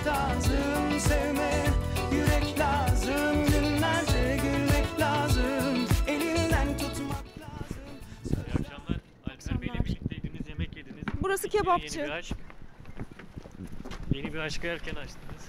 lazım, sevme yürek lazım, günlerce gülmek lazım, elinden tutmak lazım. İyi akşamlar. Alper Bey'le birlikteydiniz, yemek yediniz. Burası Bitiyor kebapçı. Yeni bir aşk. Yeni bir aşkı erken açtınız.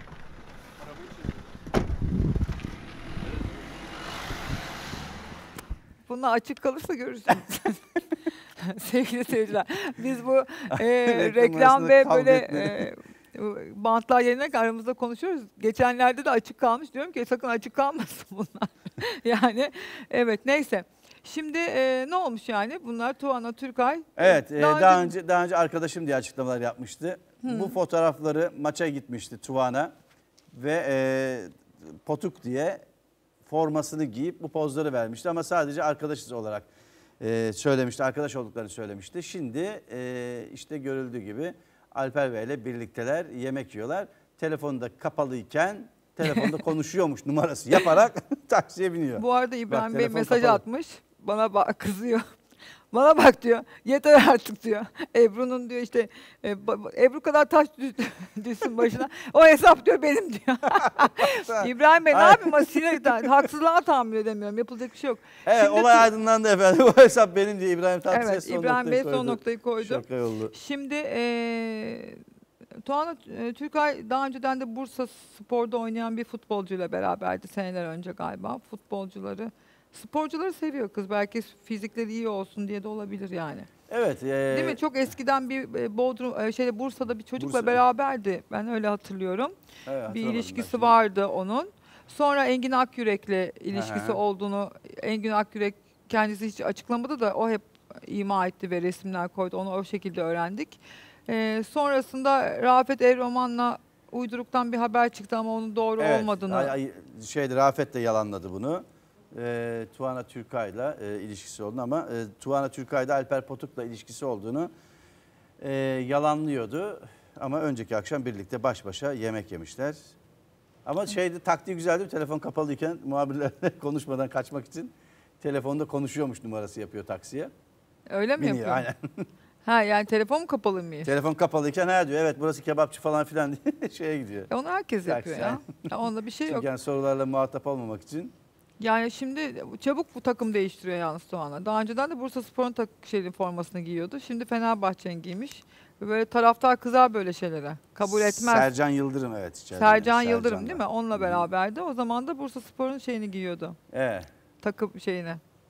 Bunlar açık kalırsa görürsünüz. Sevgili seyirciler, biz bu reklam ve böyle bantlar yerine aramızda konuşuyoruz. Geçenlerde de açık kalmış, diyorum ki sakın açık kalmasın bunlar. Yani evet, neyse. Şimdi ne olmuş yani? Bunlar Tuana Türkay. Evet, daha önce arkadaşım diye açıklamalar yapmıştı. Bu fotoğrafları maça gitmişti Tuana ve Potuk diye formasını giyip bu pozları vermişti ama sadece arkadaşız olarak söylemişti, arkadaş olduklarını söylemişti. Şimdi işte görüldüğü gibi Alper Bey ile birlikteler, yemek yiyorlar. Telefonu da kapalıyken telefonda konuşuyormuş numarası yaparak taksiye biniyor. Bu arada İbrahim Bak, Bey telefon mesaj kapalı. atmış. Bana kızıyor. Bana bak diyor. Yeter artık diyor. Ebru'nun diyor işte Ebru kadar taş düşsün başına. O hesap diyor benim diyor. İbrahim Bey ne yapayım? Sinirden haksızlığa tahammül edemiyorum. Yapılacak bir şey yok. Evet, Şimdi olay aydınlandı efendim. O hesap benim diye İbrahim Tatlıses Evet, son İbrahim Bey noktayı son noktayı koydu. Şaka yollu. Şimdi Tuana Türkay daha önceden de Bursa Spor'da oynayan bir futbolcuyla beraberdi seneler önce galiba. Sporcuları seviyor kız. Belki fizikleri iyi olsun diye de olabilir yani. Evet. Değil mi? Çok eskiden bir Bursa'da bir çocukla Bursa. beraberdi. Ben öyle hatırlıyorum. Evet, Bir hatırlamadım ilişkisi ben vardı onun. Sonra Engin Akyürek'le ilişkisi Hı hı. olduğunu Engin Akyürek kendisi hiç açıklamadı da o hep ima etti ve resimler koydu. Onu o şekilde öğrendik. Sonrasında Rafet Evroman'la uyduruktan bir haber çıktı ama onun doğru olmadığını. Rafet de yalanladı bunu. Tuana Türkay'la ilişkisi olduğunu ama Tuana Türkay'da Alper Potuk'la ilişkisi olduğunu yalanlıyordu. Ama önceki akşam birlikte baş başa yemek yemişler. Ama taktiği güzeldi. Telefon kapalıyken muhabirlerle konuşmadan kaçmak için telefonda konuşuyormuş numarası yapıyor taksiye. Öyle mi Biniyor, yapıyor? aynen. Ha yani telefon mu kapalı mı? Telefon kapalıyken diyor evet burası kebapçı falan filan diye şeye gidiyor. Onu herkes yapıyor Taksi, ya. Onda bir şey yok. Çünkü yani sorularla muhatap olmamak için. Yani şimdi çabuk bu takım değiştiriyor yalnız Tuana. Daha önceden de Bursa Spor'un formasını giyiyordu. Şimdi Fenerbahçe'nin giymiş. Ve böyle taraftar kızar böyle şeylere. Kabul etmez. Sercan Yıldırım evet. Sercan Yıldırım değil mi? Onunla beraberdi. O zaman da Bursa Spor'un şeyini giyiyordu. Evet. Takım şeyini.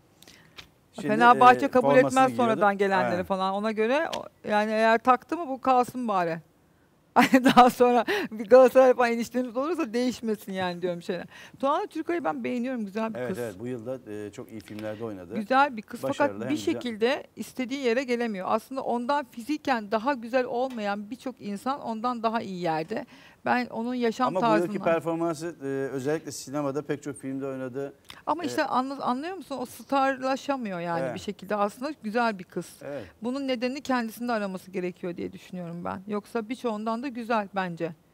Şimdi, Fenerbahçe kabul formasını etmez giyiyordu. sonradan gelenleri Aynen. falan. Ona göre yani eğer taktı mı bu kalsın bari. Daha sonra bir Galatasaray falan eniştemiz olursa değişmesin yani diyorum şeyler. Tuana Türkay'ı ben beğeniyorum. Güzel bir kız. Evet bu yılda çok iyi filmlerde oynadı. Güzel bir kız Başarılı, fakat hem bir güzel. şekilde istediği yere gelemiyor. Aslında ondan fiziken daha güzel olmayan birçok insan ondan daha iyi yerde. Ben onun yaşam Ama bu tarzından... yılki performansı özellikle sinemada pek çok filmde oynadı. Ama işte anlıyor musun? O starlaşamıyor yani Evet. bir şekilde. Aslında güzel bir kız. Evet. Bunun nedenini kendisinde araması gerekiyor diye düşünüyorum ben. Yoksa birçoğundan da güzel bence.